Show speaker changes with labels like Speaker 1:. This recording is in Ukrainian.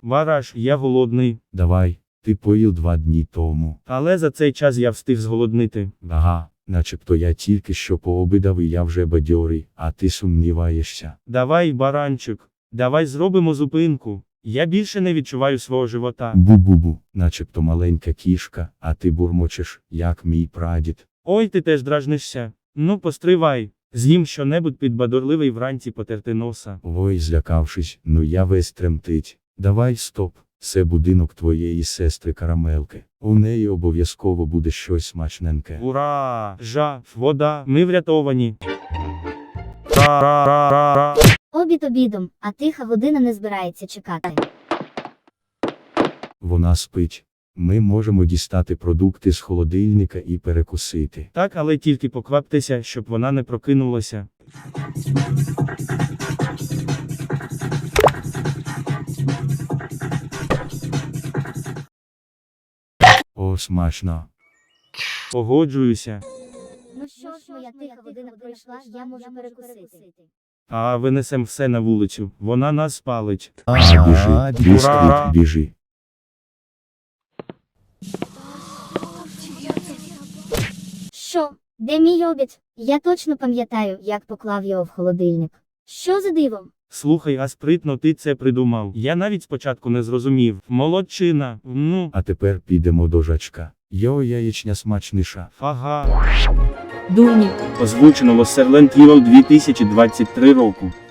Speaker 1: Бараш, я голодний.
Speaker 2: Давай, ти поїв 2 дні тому.
Speaker 1: Але за цей час я встиг зголоднити.
Speaker 2: Ага, начебто я тільки що пообідав і я вже бадьорий, а ти сумніваєшся.
Speaker 1: Давай, баранчик, давай зробимо зупинку. Я більше не відчуваю свого живота.
Speaker 2: Бу-бу-бу, начебто маленька кішка, а ти бурмочеш, як мій прадід.
Speaker 1: Ой, ти теж дражнишся. Ну, постривай. З'їм щонебудь підбадорливий вранці потерти носа.
Speaker 2: Ой, злякавшись, ну я весь тремтить. Давай стоп, це будинок твоєї сестри Карамелки. У неї обов'язково буде щось смачненьке.
Speaker 1: Ура! Вода, ми врятовані.
Speaker 3: Обід обідом, а тиха година не збирається чекати.
Speaker 2: Вона спить. Ми можемо дістати продукти з холодильника і перекусити.
Speaker 1: Так, але тільки покваптеся, щоб вона не прокинулася.
Speaker 2: О, смачно.
Speaker 1: Погоджуюся.
Speaker 3: Ну що ж, моя тиха година пройшла, я можу перекусити.
Speaker 1: А винесем все на вулицю, вона нас спалить.
Speaker 2: Біжи, бісквіт, біжи.
Speaker 3: Що? Де мій обід? Я точно пам'ятаю, як поклав його в холодильник. Що за дивом?
Speaker 1: Слухай, а спритно ти це придумав. Я навіть спочатку не зрозумів. Молодчина, ну.
Speaker 2: А тепер підемо до жачка. Йо, яєчня смачніша.
Speaker 1: Ага.
Speaker 4: Дурні.
Speaker 1: Озвучено Silent Evil 2023 року.